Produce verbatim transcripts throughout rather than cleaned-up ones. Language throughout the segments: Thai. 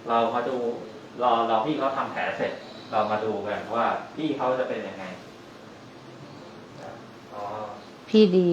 เรามาดูรอรอพี่เขาทำแผลเสร็จ เรามาดูกันว่าพี่เขาจะเป็นยังไงอ๋อพี่ดี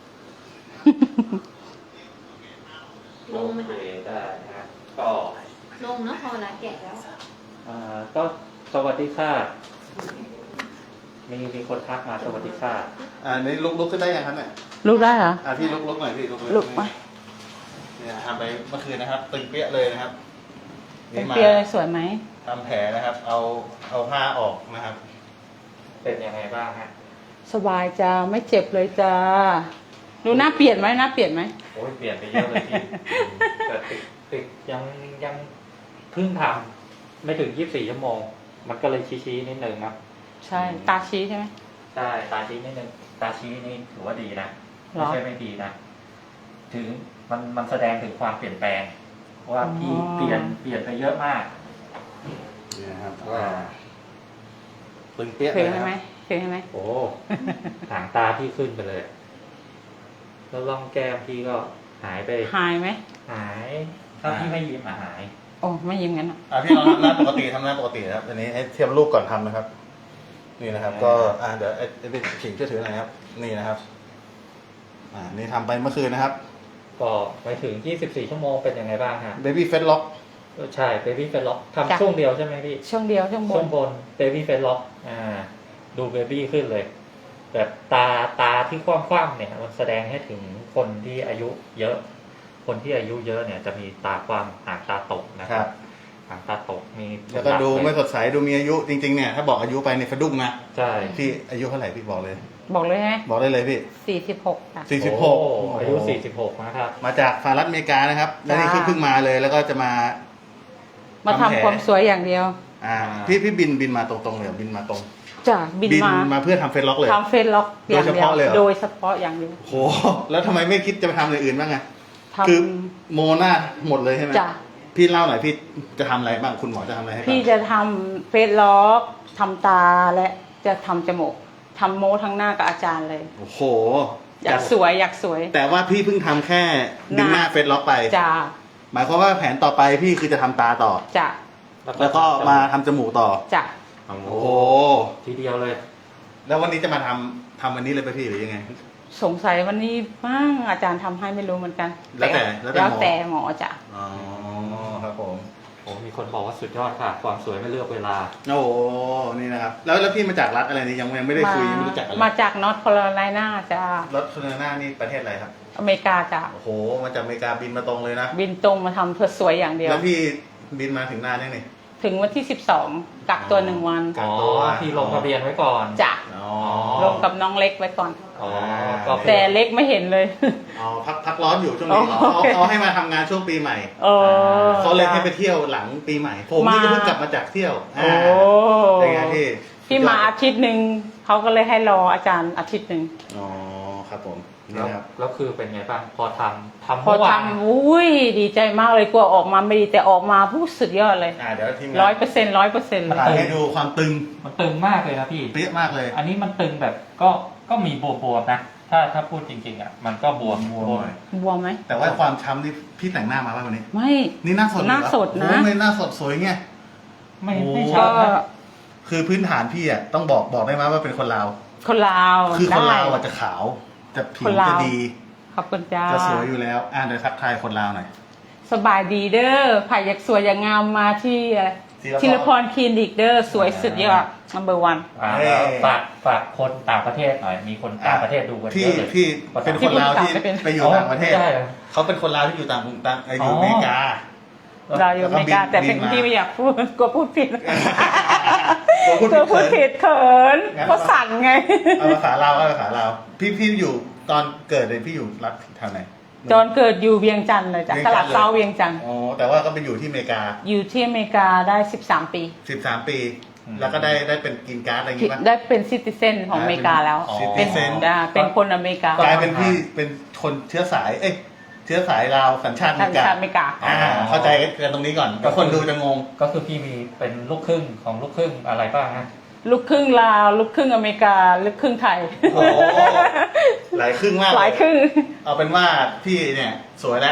ลงไหมโอเคคะได้นะก็ลงเนาะพอเวลาแกะแล้วอ่าก็สวัสดีค่ะมีมีคนทักมาสวัสดีค่ะอ่านี่ลุกลุกขึ้นได้ยังครับเนี่ยลูกได้เหรออ่าพี่ลุกลุกหน่อยพี่ลุกลุกไปเนี่ยทำไปเมื่อคืนนะครับ ตึงเปี้ยเลยนะครับเป็นนี่มาเปียสวยไหมทำแผลนะครับ เอาเอาผ้าออกนะครับเป็นยังไงบ้างฮะสบายจ้าไม่เจ็บเลยจ้าดูหน้าเปลี่ยนไหมหน้าเปลี่ยนไหมโอ้ยเปลี่ยนไปเยอะเลยพี่แต่ติดติดยังยังเพิ่งทำไม่ถึงยี่สิบสี่ชั่วโมง มันก็เลยชี้ๆนิดนึงครับใช่ตาชี้ใช่ไหมใช่ตาชี้นิดนึงตาชี้นี่ถือว่าดีนะหรไม่อใช่ไม่ดีนะถึงมันมันแสดงถึงความเปลี่ยนแปลงว่าพี่อ๋อเปลี่ยนเปลี่ยนไปเยอะมากนี่นะครับว่าตึงเปี้ยเคเลย ยไหมนะไหคมรับเคยไหมโอ้ หางตาพี่ขึ้นไปเลย แล้วร่องแก้มพี่ก็หายไปหายไหมหาย ถ้าพี่ไม่ยิ้มอะหายโอ้ไม่ยิ้มงั้นอ่ะอ่าพี่ลองทำหน้าปกติทำหน้าปกตินะครับอันนี้ให้เทียบรูปก่อนทำนะครับ นี่นะครับ ก็อ่าเดี๋ยวไอ้ไอ้เป็นขิงช่วยถือหน่อยนะครับ นี่นะครับ อ่านี่ทำไปเมื่อคืนนะครับก็ไปถึงยี่สิบสี่ชั่วโมงเป็นยังไงบ้างฮะ Baby Face Lock ใช่เบบี้เฟลล็อกทำช่วงเดียวใช่ไหมพี่ช่วงเดียวช่วงบช่วน งบนเบบี้เฟลล็อกอ่า ดูเบบี้ขึ้นเลย แบบตาตาที่คว่ำๆเนี่ยมันแสดงให้ถึงคนที่อายุเยอะ คนที่อายุเยอะเนี่ยจะมีตาคว่ำหางตาตกนะคครัรับบ หางตาตกมีแล้วก็ดูไม่สดใสดูมีอายุจริงๆเนี่ยถ้าบอกอายุไปในสะดุ้งนะใช่พี่อายุเท่าไหร่พี่บอกเลยบอกเลยไหมบอกได้เลยพี่สี่สิบหกจ้ะสี่สิบหกโอ้อายุสี่สิบหกนะครับมาจากสหรัฐอเมริกานะครับ แล้วนี่จ้าเพิ่งมาเลยแล้วก็จะมามาทำแผลทำความสวยอย่างเดียวอ่าพี่พี่บินบินมาตรงๆเลยเหรอบินมาตรงจ้ะบินมามาเพื่อทำเฟซล็อกเลยทำเฟซล็อกอย่างเดียวโดยเฉพาะเลยเหรอโดยเฉพาะอย่างเดียวโหแล้วทำไมไม่คิดจะไปทำอย่างอื่นบ้างอะทำคือโมหน้าหมดเลยใช่ไหมจ้ะพี่เล่าหน่อยพี่จะทำอะไรบ้างคุณหมอจะทำอะไรให้บ้างพี่จะทำเฟซล็อกทำตาและจะทำจมูกทำโมทั้งหน้ากับอาจารย์เลยโอ้โหอยากสวยอยากสวยแต่ว่าพี่เพิ่งทำแค่ดึงหน้าเฟซล็อกไปจ้ะหมายความว่าแผนต่อไปพี่คือจะทำตาต่อจ้ะแล้วก็มาทำจมูกต่อจ้ะโอ้โอ้โหทีเดียวเลยแล้ววันนี้จะมาทำทำวันนี้เลยไปพี่หรือยังไงสงสัยวันนี้บ้างอาจารย์ทำให้ไม่รู้เหมือนกันแล้วแต่แล้วแต่แล้วหมอแต่หมอจ้ะอ๋อครับผมโอ้มีคนบอกว่าสุดยอดค่ะ ความสวยไม่เลือกเวลาโอ้โหนี่นะครับ แล้วแล้วพี่มาจากรัฐอะไรนี่ยังยังไม่ได้คุยยังไม่รู้จักกันเลยมาจากนอร์ทแคโรไลนาจ้ะรัฐโคโรนานี่ประเทศอะไรครับอเมริกาจ้ะโอ้โหมาจากอเมริกาบินมาตรงเลยนะบินตรงมาทำเพื่อสวยอย่างเดียวแล้วพี่บินมาถึงนานยังนี่ถึงวันที่สิบสองกักตัวหนึ่งวันกัอ๋กอตัวที่ลงทะเบียนไว้ก่อนจ้ะอ๋อลงกับน้องเล็กไว้ก่อนอ๋อก็แต่เล็กไม่เห็นเลยอ๋อพักพักร้อนอยู่ช่วงนี้อ๋อเขาโอเคเขาให้มาทำงานช่วงปีใหม่โอ้เขาเลยให้ไปเที่ยวหลังปีใหม่ ผมนี่ก็มาเพิ่งกลับมาจากเที่ยวโอ้เป็นไงพี่พี่มาอาทิตย์หนึ่งเขาก็เลยให้รออาจารย์อาทิตย์หนึ่งอ๋อครับผมนี่แล้วนะครับแล้วคือเป็นไงบ้างพอทำทำพอเมื่อวานทำอุ้ยดีใจมากเลยกลัวออกมาไม่ดีแต่ออกมาผู้สุดยอดเลยอ่าเดี๋ยวทีมงานร้อยเปอร์เซ็นต์ร้อยเปอร์เซ็นต์เลยถ่ายให้ดูความตึงมันตึงมากเลยนะพี่เปี้ยมากเลยอันนี้มันตึงแบบก็ก็มีบวมๆนะ ถ้าถ้าพูดจริงๆอ่ะมันก็บวมบวมหน่อยบวมไหมแต่ว่าความช้ำนี่พี่แต่งหน้ามาป่ะวันนี้ไม่นี่หน้าสดหน้าสดนะโอ้ไม่หน้าสดสวยไงไม่โอ้ไม่ก็ชัดนะคือพื้นฐานพี่อ่ะต้องบอกบอกได้ไหมว่าเป็นคนลาวคนลาวคือคนลาวได้อ่ะจะขาว จะผิควนลาวจะดีขอบคุณจ้าจะสวยอยู่แล้ว อ่าเดี๋ยวทักทายคนลาวหน่อยสบายดีเด้อไผ่อยากสวยอยากงามมาที่อะไรธีรพรธีรพรคลินิกเด้อสวยสุดยอด number one อ่าเอ้ยฝากฝากคนต่างประเทศหน่อย มีคนต่างประเทศดูกันเยพี่อะเลยพี่เป็นคนลาวที่ที่พูดภาษาไม่เป็นไปอยู่ต่างประเทศอ๋อใช่เหรอเขาเป็นคนลาวที่อยู่ต่างต่างอยู่อเมริกาเราอยู่อเมริกาแล้วก็บินแต่เป็นบินมาที่ไม่อยากพูดกลัวพูดผิดกลัวพูดกลัวพูดผิผิดดเขินงั้นเพราะสั่นไงเอาภาษาลาวเอาภาษาลาวพี่พี่อยู่ตอนเกิดเลยพี่อยู่รัฐแถวไหนจอนเกิดอยู่เวียงจันทร์เลยจ้ะเวียงตจัลานทดร์เลยเซาเวียงจันทร์อ๋อแต่ว่าก็ไปอยู่ที่อเมริกาอยู่ที่อเมริกาได้สิบสามปีสิบสามปี แล้วก็ได้ได้เป็นกินการ์ดอะไรอย่างงี้ป่ะได้เป็นซิติเซนของอเมริกาแล้วอ๋อเป็น citizen อ่าเป็นคนอเมริกากลายเป็นพี่เป็นคนเชื้อสาย เอ้ยเชื้อสายลาวสัญชาติอเมสัญริกาชาติอเมริกาอ่าเข้าใจกันตรงนี้ก่อนก็คนดูจะงงก็คือพี่มีเป็นลูกครึ่งของลูกครึ่งอะไรบ้างฮะลูกครึ่งลาวลูกครึ่งอเมริกาลูกครึ่งไทยโอ้โหหลายครึ่งมากหลายครึ่งเอาเป็นว่าพี่เนี่ยสวยแล้ว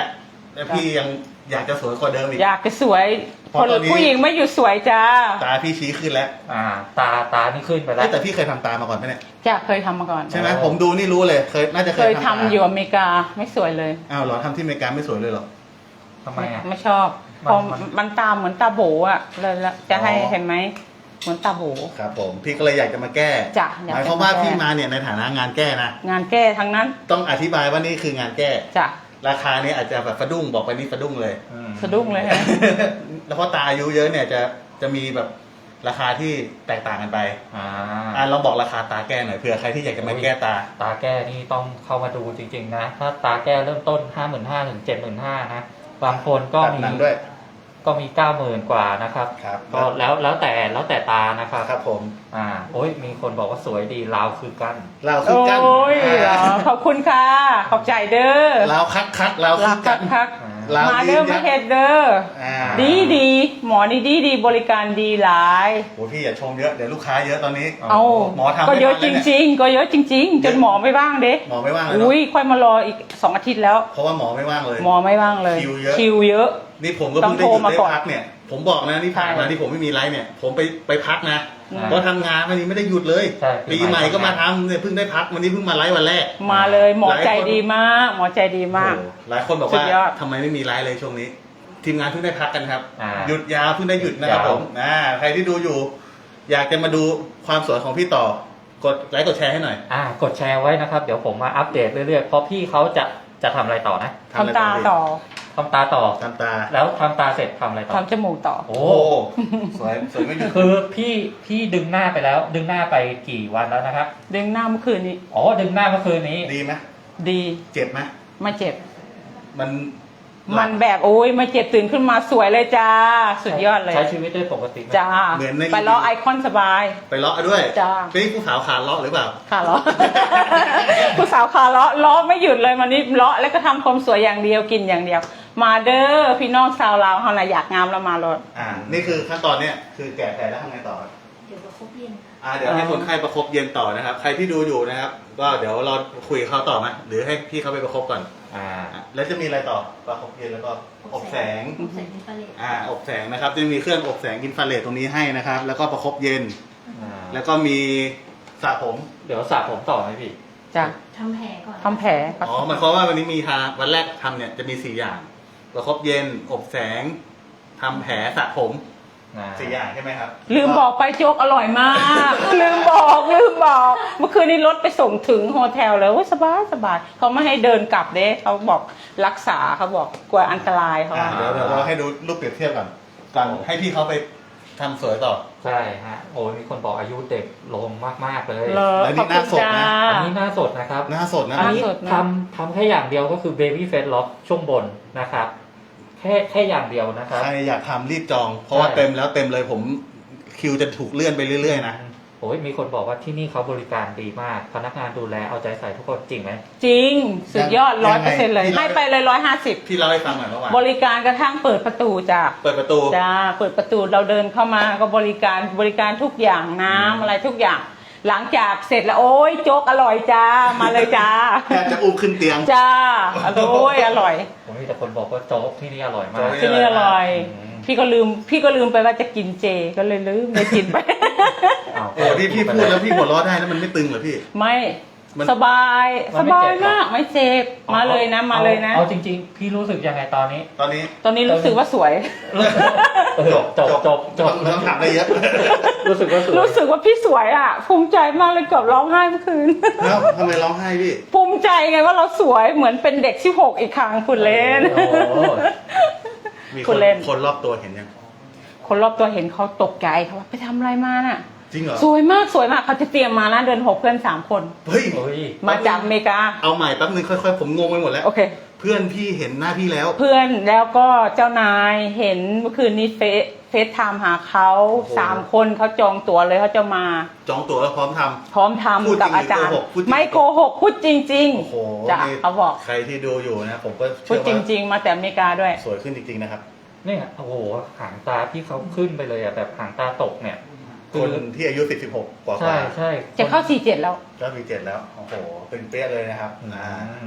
แล้วพี่ยังอยากจะสวยกว่าเดิมอีกอยากจะสวยเพราะคนตอนนี้ผู้หญิงไม่หยุดสวยจ้าตาพี่ชี้ขึ้นแล้วอ่า ตาตานี่ขึ้นไปแล้เอ้วยแต่พี่เคยทำตามาก่อนไหมเนี่ยจะเคยทำมาก่อนใช่ไหมผมดูนี่รู้เลยเคยน่าจะเคเคยยทำตาอยู่อเมริกาไม่สวยเลยอ้าวเหรอทำที่อเมริกาไม่สวยเลยเหรอทำไมอ่ะไม่ชอบมันพอมันมันตาเหมือนตาโบอ่ะเลยละจะให้อ๋อเห็นไหมเหมือนตาโบครับผมพี่ก็เลยอยากจะมาแก้จ้ะอยากจะหมายความว่ามาแก้พี่มาเนี่ยในฐานะงานแก้นะงานแก้ทั้งนั้นต้องอธิบายว่านี่คืองานแก้จ้ะราคานี้อาจจะแบบสะดุ้งบอกไปนี่สะดุ้งเลยอืมสะดุ้งเลยฮะแล้วเพราะตาอายุเยอะเนี่ยจะจะมีแบบราคาที่แตกต่างกันไปอ่าอ่าลองบอกราคาตาแก้หน่อยเผื่อใครที่อยากจะมาแก้ตาตาแก้นี่ต้องเข้ามาดูจริงๆนะ ถ้าตาแก้เริ่มต้นห้าหมื่นห้าถึงเจ็ดหมื่นห้านะ บางคนก็ตัดมีหนังด้วยก็มีเก้าหมื่นกว่านะครับครับก็แล้วแล้วแต่แล้วแต่ตานะครับครับผมอ่าโอ้ยมีคนบอกว่าสวยดีลาวคือกันเราคือโอ้กันยเหรอขอบคุณค่ะ ขอบใจเด้อเราคักคักเรารัคืกอกัคันกคักอ่าเรามาเด้อยืนยัมาน เฮ็ดเด้ออ่าดีดีหมอนี่ดีดีบริการดีหลายโอ้พี่อย่าชมเยอะเดี๋ยวลูกค้าเยอะตอนนี้อ๋อเอาหมอทำก็เยอะไม่จทันแล้วเนี่ยริง ๆ ก็เยอะจริง ๆ จนหมอไม่ว่างเด้หมอไม่ว่างเลยเนาะอุ้ยค่อยมารออีกสองอาทิตย์แล้วเพราะว่าหมอไม่ว่างเลยหมอไม่ว่างเลยคิวเยอะคิวเยอะนี่ผมก็เพิ่งได้หยุดต้องโทรมาได้ก่อนพักเนี่ย ผมบอกนะนี่ผ่านมาใช่ที่ผมไม่มีไลฟ์เนี่ย ผมไปไปพักนะอืมเพราะทำงานวันนี้ไม่ได้หยุดเลยใช่ปีใหม่ก็มาทำเนี่ยเพิ่งได้พักวันนี้เพิ่งมาไลฟ์วันแรกมาเลยหมอหลายคนใจดีมาก หมอใจดีมากโอ้โหหลายคนบอกสุว่าดยอดทำไมไม่มีไลฟ์เลยช่วงนี้ ทีมงานเพิ่งได้พักกันครับอ่าหยุดยาวเพิ่งได้หยุดนะครับยาวผมอ่าใครที่ดูอยู่ อยากจะมาดูความสวยของพี่ต่อ กดไลค์กดแชร์ให้หน่อยอ่ากดแชร์ไว้นะครับ เดี๋ยวผมมาอัปเดตเรื่อยๆ เพราะพี่เขาจะจะทำอะไรต่อนะทำอะไรทำตาต่อต่อทำตาต่อทำตาแล้วทำตาเสร็จทำอะไรต่อทำจมูกต่อโอ้โอ้สวยสวยไม่หยุดคือพี่พี่ดึงหน้าไปแล้ว ดึงหน้าไปกี่วันแล้วนะครับดึงหน้าเมื่อคืนนี้อ๋อดึงหน้าเมื่อคืนนี้ดีไหมดีเจ็บไหมไม่เจ็บมันมันแบบโอ้ยไม่เจ็บตื่นขึ้นมาสวยเลยจ้า สุดยอดเลยใช้ชีวิตได้ปกติไหมจ้าเหมือนในไปล้อไอคอนสบายไปเลาะด้วยจ้านี่ผู้สาวขาเลาะหรือเปล่าค่ะล้อ ผู้สาวขาล้อล้อไม่หยุดเลยมันนี่ล้อแล้วก็ทำความสวยอย่างเดียวกินอย่างเดียว มาเด้อพี่น้องชาวลาวเฮาน่ะอยากงามแล้วมาเลยอ่า นี่คือขั้นตอนเนี้ยคือแกะแผลแล้วทำไงต่อครับเดี๋ยวเราครบเย็นอ่า เดี๋ยวให้คนไข้ประคบเย็นต่อนะครับ ใครที่ดูอยู่นะครับ ก็เดี๋ยวเราคุยกับเขาต่อไหมหรือให้พี่เขาไปประคบก่อนอ่าอ่ะแล้วจะมีอะไรต่อ ประคบเย็นแล้วก็อบแสงใส่เป็นปลาเลตอ่า อบแสงนะครับ จะมีเครื่องอบแสงอินฟราเรดตรงนี้ให้นะครับ แล้วก็ประคบเย็นอ่าแล้วก็มีสระผมเดี๋ยวสระผมต่อไหมพี่จ้ะทำแผลก่อนทำแผลอ๋อหมายความว่าวันนี้มีทาวันแรกทำเนี่ยจะมีสี่อย่าง ประคบเย็น อบแสงทำแผลสระผมอ่าสี่อย่างใช่ไหมครับลืมบอกไปโจ๊กอร่อยมาก ลืมบอกลืมบอก เมื่อคืนนี้รถไปส่งถึงโฮเทลเลยโอ้ยสบายสบายเขาไม่ให้เดินกลับเด้เขาบอกรักษาเขาบอกกลัวอันตรายเขาอ่าว่าเดี๋ยวเดี๋ยวเราให้ดูรูปเปรียบเทียบก่อนก่อนให้พี่เขาไปทำสวยต่อใช่ฮะโอ้ยมีคนบอกอายุเด็กลงมากๆเลยเลอแล้วนี่ขอบคุณหน้าสดจ้านะอันนี้หน้าสดนะครับหน้าสดนะอันนี้หน้าสดนะทำทำแค่อย่างเดียวก็คือ baby face lock ช่วงบนนะครับ แค่แค่อย่างเดียวนะครับใครอยากทำรีบจอง เพราะว่าใช่เต็มแล้วเต็มเลยผมคิวจะถูกเลื่อนไปเรื่อยๆนะโอ้ยมีคนบอกว่าที่นี่เขาบริการดีมาก พนักงานดูแลเอาใจใส่ทุกคนจริงไหมจริง สุดยอดยัร้อยงไงเปอร์เซ็นต์เลยที่เราให้ไปเลยร้อยห้าสิบพี่เล่าให้ฟังหน่อยเมื่อวานบริการกระทั่งเปิดประตูจ้ะเปิดประตูจ้าเปิดประตูเราเดินเข้ามาก็บริการบริการทุกอย่างน้ำอะไรทุกอย่าง หลังจากเสร็จแล้วโอ้ยโจ๊กอร่อยจ้ามาเลยจ้าแทบจะอุ้มขึ้นเตียงจ้าโอ้ยอร่อยผมมีแต่คนบอกว่าโจ๊กที่นี่อร่อยมากโจ๊กที่นี่อร่อยอืมพี่ก็ลืมพี่ก็ลืมไปว่าจะกินเจก็เลยลืมไม่กินไปอ้าวโอ้พี่พี่พูดแล้วพี่หัวเราะได้แล้วมันไม่ตึงเหรอพี่ไม่มันสบายมันสไม่บาเจ็ยบหรอมากไม่เจ็บมาเลยนะมาเลยนะเอาจริง ๆ พี่รู้สึกยังไงตอนนี้ตอนนี้ตอนนี้รู้สึกว่าสวยเออจบจบจบต้องถามอะไรเยอะรู้สึกว่าสวยรู้สึกว่าพี่สวยอ่ะ ภูมิใจมากเลยเกือบร้องไห้เมื่อคืนแล้วทำไมร้องไห้พี่ภูมิใจไงว่าเราสวยเหมือนเป็นเด็กที่หกอีกครั้งคุณเล่นโอ้โหมีคคุนณเล่นคนรอบตัวเห็นยังคนรอบตัวเห็นเขาตกใจเขาว่าไปทำอะไรมาน่ะจริงเหรอสวยมากสวยมากเขาจะเตรียมมานะเดินหกเพื่อนสามคนเฮ้ยเฮ้ยมาจากอเมริกาเอาใหม่แป๊บนึงค่อยๆผมงงไปหมดแล้วโอเคเพื่อนพี่เห็นหน้าพี่แล้วเพื่อนแล้วก็เจ้านายเห็นเมื่อคืนนี้เฟซเฟซไทม์หาเขาโอ้โหสามคนเขาจองตั๋วเลยเขาจะมาจองตั๋วแล้วพร้อมทำพร้อมพูดจริงทำกับอาจารย์หรือโกหกพูดจริงไม่โกหกพูดจริงโอ้โหๆจ้ะนี่เขาบอกใครที่ดูอยู่นะผมก็พูเชื่ดอจว่าริง ๆ มาแต่อเมริกาด้วยสวยขึ้นจริงๆนะครับเนี่ยโอ้โหหางตาที่เขาขึ้นไปเลยอ่ะแบบหางตาตกเนี่ยคนที่อายุสิบ สิบหกกว่าใช่ใช่จะเข้าสี่เจ็ดแล้วก็มีเจ็ดแล้ว โอ้โห เป็นเปี้ยเลยนะครับอือ่าม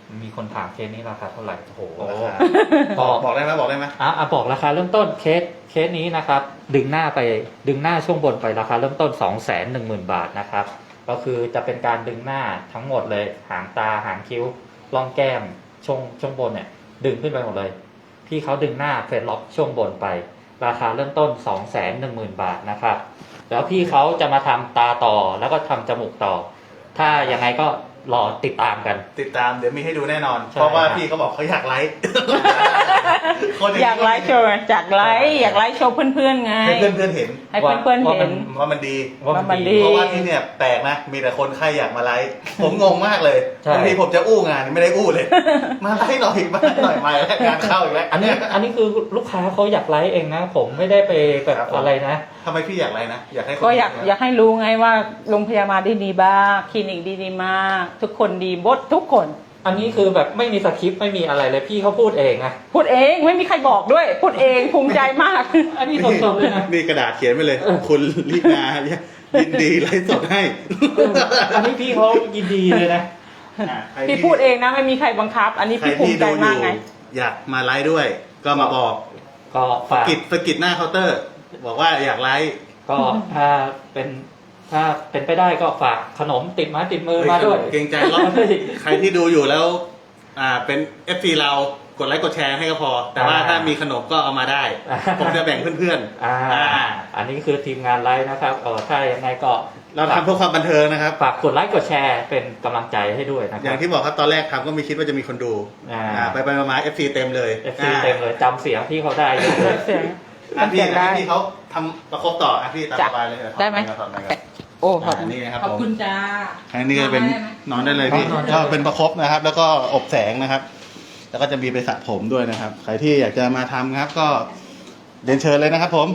มีคนถามเคสนี้ราคาเท่าไหร่โอ้โหบอกบอกได้ไหมบอกได้ไหมอ่ะอ่ะบอกราคาเริ่มต้นเคสเคสนี้นะครับ ดึงหน้าไปดึงหน้าช่วงบนไปราคาเริ่มต้น สองแสนหนึ่งหมื่น บาทนะครับ ก็คือจะเป็นการดึงหน้าทั้งหมดเลยหางตาหางคิ้วร่องแก้มช่วงช่วงบนเนี่ยดึงขึ้นไปหมดเลยพี่เขาดึงหน้าเฟซล็อกช่วงบนไป ราคาเริ่มต้น สองแสนหนึ่งหมื่น บาทนะครับแล้วพี่เขาจะมาทำตาต่อแล้วก็ทำจมูกต่อ ถ้ายังไงก็รอติดตามกันติดตามเดี๋ยวมีให้ดูแน่นอนใช่เพราะว่าครับพี่เขาบอกเขาอยากไลฟ์ คนอยากไลฟ์โชว์อยากไลฟ์อยากไลฟ์โชว์เพื่อนๆไงให้เพื่อนเพื่อนๆเห็นให้เพื่อนๆว่าเห็นว่ามันดีว่ามันว่ามันดีดีเพราะว่าที่เนี่ยแปลกนะ มีแต่คนไข้อยากมาไลฟ์ ผมงงมากเลยใช่บางทีผมจะอู้งานไม่ได้อู้เลย มาไลฟ์หน่อยมาหน่อยมาแล้วงานเข้าอีกแล้วอันนี้อันนี้คือลูกค้าเขาอยากไลฟ์เองนะ ผมไม่ได้ไปแบบครับผมอะไรนะทำไมพี่อยากไลฟ์นะ อยากให้คนก็อยากเห็นนะอยากให้รู้ไงว่าโรงพยาบาลได้ดีบ้างคลินิกดีดีมาก ทุกคนดีบดทุกคนอันนี้คือแบบไม่มีสคริปต์ไม่มีอะไรเลยพี่เขาพูดเองนะพูดเองไม่มีใครบอกด้วย พูดเองภูมิใจมากอันนี้สดๆเลยนะมีกระดาษเขียนไปเลย คุณลินายินดีไลฟ์สดให้อันนี้พี่เขายินดีเลยนะอ่ะใครพี่ที่พูดเองนะไม่มีใครบังคับ อันนี้ใครพี่ภูที่มิใจดูอมากยู่ไงอยากมาไลฟ์ด้วย ก็มาบอกก็ฝากกิจสกิดหน้าเคาน์เตอร์ บอกว่าอยากไลฟ์ก็ถ้าเป็นถ้าเป็นไปได้ก็ฝากขนมติดไม้ติดมือมาด้วยเกรงใจรอบใครที่ดูอยู่แล้ว อ่าเป็น เอฟ ซี เรากดไลค์กดแชร์ให้ก็พอ แต่ว่าอ่าถ้ามีขนมก็เอามาได้อ่าผมจะแบ่งเพื่อนอ่าๆอ่าอันนี้คือทีมงานไลฟ์นะครับเออถ้ายังไงก็เราทำเพื่อความบันเทิงนะครับฝากกดไลค์กดแชร์เป็นกำลังใจให้ด้วยนะคอรัย่างที่บอกครับตอนแรกทำก็ไม่คิดว่าจะมีคนดูอ่าอ่าไปไปมาๆ เอฟ ซี เต็มเลยเอฟซีเต็มเลยจำเสียงพี่เขาได้เยอะเลยเสียงอ่ะพี่เสียงได้อ่ะพี่เขาทำประคบต่ออ่ะพี่ตามจ้ะสบายเลยเยวได้ไหมถอดหน่อยครับโอ้ขอบอ่านี่นะครับขอบคุณจ้าอันนี้ก็เป็นนอนได้เลยพี่นอนได้ก็เป็นประคบนะครับ แล้วก็อบแสงนะครับ แล้วก็จะมีไปสระผมด้วยนะครับ ใครที่อยากจะมาทำครับ ก็เรียนเชิญเลยนะครับ ผม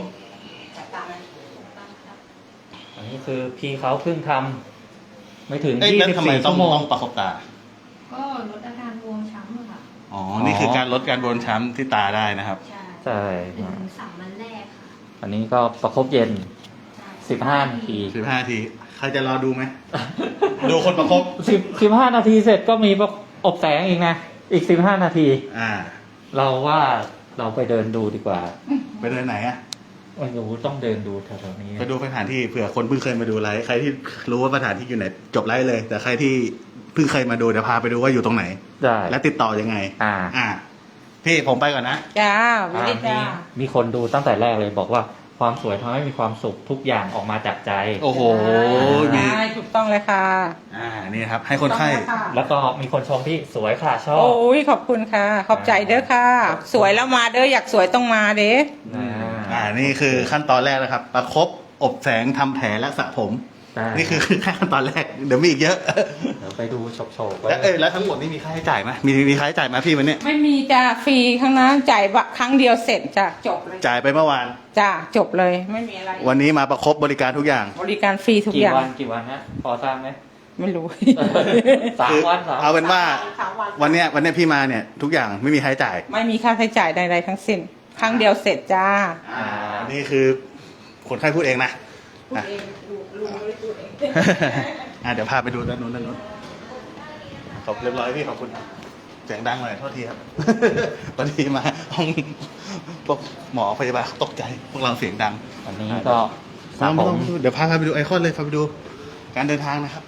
อันนี้คือพี่เขาเพิ่งทำไม่ถึงเอ้ยยี่แล้วสิบทำไมสี่ต้ชั่องวโมงต้องประคบตาก็ลดอาการบวมช้ำอะค่ะอ๋อ นี่คือการลดการบวมช้ำที่ตาได้นะครับใช่ใช่หนึ่งถึงสามวันแรกค่ะอันนี้ก็ประคบเย็นใช่สิบห้านาทีสิบห้านาที ใครจะรอดูไหม ดูคนประคบสิบสิบห้านาทีเสร็จก็มีประอบแสงอีกนะ อีกสิบห้านาทีอ่าเราว่าเราไปเดินดูดีกว่าไปเดินไหนอ่ะไม่รู้ต้องเดินดูแถวๆนี้ไปดูสถานที่เผื่อคนเพิ่งเคยมาดูไลฟ์ใครที่รู้ว่าสถานที่อยู่ไหนจบไลฟ์เลย แต่ใครที่เพิ่งเคยมาดูเดี๋ยวพาไปดูว่าอยู่ตรงไหนได้และติดต่อยังไงอ่าอ่า พี่ผมไปก่อนนะจ้าอ่าวิมีจ้ามีคนดูตั้งแต่แรกเลยบอกว่าความสวยทำให้มีความสุขทุกอย่างออกมาจากใจโอ้โห มีใช่ถูกต้องเลยค่ะอ่า นี่ครับ ให้คนไข้ถูกต้องเลยค่ะแล้วก็มีคนชมที่สวยค่ะชอบโอ้ยขอบคุณค่ะ ขอบใจเด้อค่ะ สวยแล้วมาเด้ออยากสวยต้องมาเด้อ่าอ่า นี่คือขั้นตอนแรกนะครับ ประคบ อบแสงทำแผลและสระผมได้นี่คือแค่ขั้นตอนแรก เดี๋ยวมีอีกเยอะเดี๋ยวไปดูโฉบๆไว้แล้วเอ้ยแล้วทั้งหมดนี่มีค่าใช้จ่ายไหมมีมีค่าใช้จ่ายไหมพี่วันนี้ไม่มีจ้าฟรีข้างนั้นจ่ายบะครั้งเดียวเสร็จจ้ะจบเลยจ่ายไปเมื่อวานจ้าจบเลยไม่มีอะไรวันนี้มาประคบบริการทุกอย่างบริการฟรีทุกกี่อย่างวันกี่วันฮะพอทราบไหมไม่รู้สามวันสามเอาเป็นว่าสามวันวันเนี้ยวันเนี้ยพี่มาเนี่ยทุกอย่างไม่มีค่าใช้จ่ายไม่มีค่าใช้จ่ายใดๆทั้งสิ้น ครั้งเดียวเสร็จจ้าอ่า นี่คือคนไข้พูดเองนะพูดเองลุงลุงไม่ได้พูดเองอ่ะเดี๋ยวพาไปดูด้านนู้นด้านนู้นขอบเรียบร้อยพี่ขอบคุณเสียงดังหน่อยโทษทีครับ พอดีมาห้องพวกหมอพยาบาลตกใจ พวกเราเสียงดังอันนี้ก็สระมาผมเดี๋ยวพาไปดูไอคอนเลยพาไปดูการเดินทางนะครับ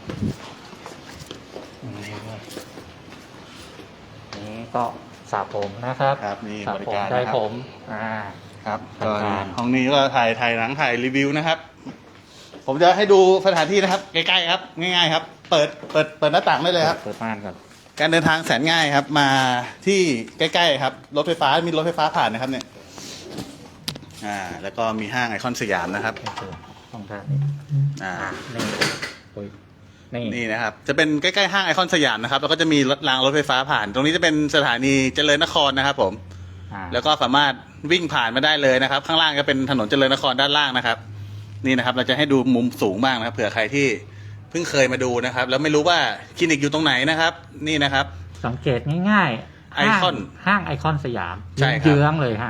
นี่ก็สระผมนะครับครับมีสระบริผมการได้นะครับผม อ่าครับทำการห้องนี้ก็ถ่ายถ่ายหนังถ่ายรีวิวนะครับ ผมจะให้ดูสถานที่นะครับ ใกล้ๆครับ ง่ายๆครับ เปิดเปิดเปิดหน้าต่างได้เลยครับเปิดม่านก่อนการเดินทางแสนง่ายครับ มาที่ใกล้ๆครับรถไฟฟ้ามีรถไฟฟ้าผ่านนะครับเนี่ยอ่า แล้วก็มีห้างไอคอนสยามนะครับนี่คือห้องท่านนี้อ่านี่โอ้ยนี่นี่นะครับ จะเป็นใกล้ๆห้างไอคอนสยามนะครับแล้วก็จะมีรถรางรถไฟฟ้าผ่าน ตรงนี้จะเป็นสถานีเจริญนครนะครับ ผมอ่าแล้วก็สามารถวิ่งผ่านมาได้เลยนะครับ ข้างล่างก็เป็นถนนเจริญนครด้านล่างนะครับ นี่นะครับ เราจะให้ดูมุมสูงบ้างนะครับเผื่อใครที่เพิ่งเคยมาดูนะครับ แล้วไม่รู้ว่าคลินิกอยู่ตรงไหนนะครับ นี่นะครับสังเกตง่ายๆไอคอนห้างห้างไอคอนสยามใช่ครับเยื้องๆเลยฮะ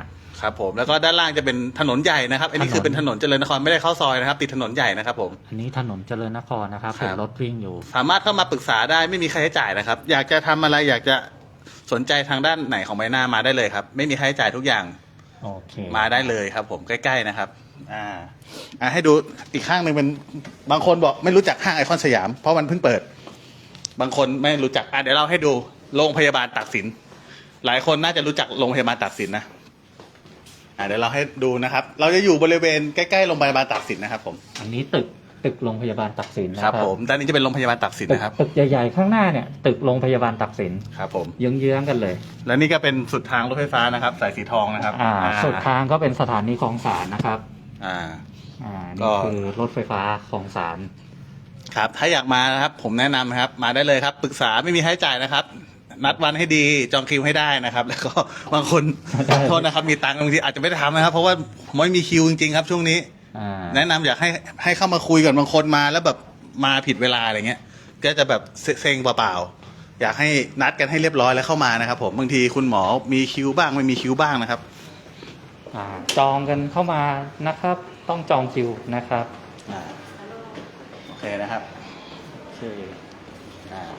ครับผมแล้วก็ด้านล่างจะเป็นถนนใหญ่นะครับ อันนี้คือเป็นถนนเจริญนครไม่ได้เข้าซอยนะครับ ติดถนนใหญ่นะครับผมอันนี้ถนนเจริญนครนะครับครับเห็นรถวิ่งอยู่สามารถเข้ามาปรึกษาได้ไม่มีค่าใช้จ่ายนะครับ อยากจะทำอะไรอยากจะสนใจทางด้านไหนของใบหน้ามาได้เลยครับ ไม่มีค่าใช้จ่ายทุกอย่างโอเคมาได้เลยครับ ผมใกล้ๆนะครับ อ่าอ่าให้ดูอีกข้างหนึ่งเป็นบางคนบอกไม่รู้จักห้างไอคอนสยาม เพราะมันเพิ่งเปิด บางคนไม่รู้จักอ่ะเดี๋ยวเราให้ดูโรงพยาบาลตากสิน หลายคนน่าจะรู้จักโรงพยาบาลตากสินนะอ่าเดี๋ยวเราให้ดูนะครับ เราจะอยู่บริเวณใกล้ๆโรงพยาบาลตากสินนะครับผมอันนี้ตึกตึกโรงพยาบาลตักสินนะคครัรับบ ผมด้านนี้จะเป็นโรงพยาบาลตากสินตึกนะครับตึกใหญ่ๆข้างหน้าเนี่ย ตึกโรงพยาบาลตักสินครับผมเยื้องๆกันเลยและนี่ก็เป็นสุดทางรถไฟฟ้านะครับ สายสีทองนะครับอ่าสุดทางก็เป็นสถานีคลองสารนะครับอ่าอ่าก็นี่คือรถไฟฟ้าคลองสารครับ ถ้าอยากมานะครับ ผมแนะนำนะครับ มาได้เลยครับ ปรึกษาไม่มีค่าใช้จ่ายนะครับ นัดวันให้ดี จองคิวให้ได้นะครับ แล้วก็บางคน ขอโทษนะครับ มีตังค์บางทีอาจจะไม่ได้ทำนะครับ เพราะว่าผมไม่มีคิวจริงๆครับช่วงนี้อ่าแนะนำอยากให้ให้เข้ามาคุยก่อนบางคนมาแล้วแบบมาผิดเวลาอะไรเงี้ย ก็จะแบบเซ็งเปล่าๆ อยากให้นัดกันให้เรียบร้อยแล้วเข้ามานะครับ ผม บางทีคุณหมอมีคิวบ้างไม่มีคิวบ้างนะครับอ่าจองกันเข้ามานะครับ ต้องจองคิวนะครับอ่า โอเคนะครับโอเคอ่า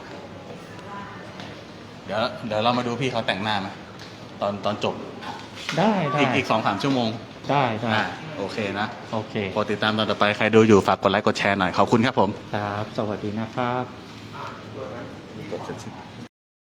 เดี๋ยวเดี๋ยวเรามาดูพี่เขาแต่งหน้าไหมตอนตอนจบได้ได้อีกอีกสองสามชั่วโมงได้ได้อ่าโอเคนะโอเคโปรดติดตามตอนต่อไปใครดูอยู่ฝากกดไลค์กดแชร์หน่อย ขอบคุณครับผมครับ สวัสดีนะครับกดเสร็จ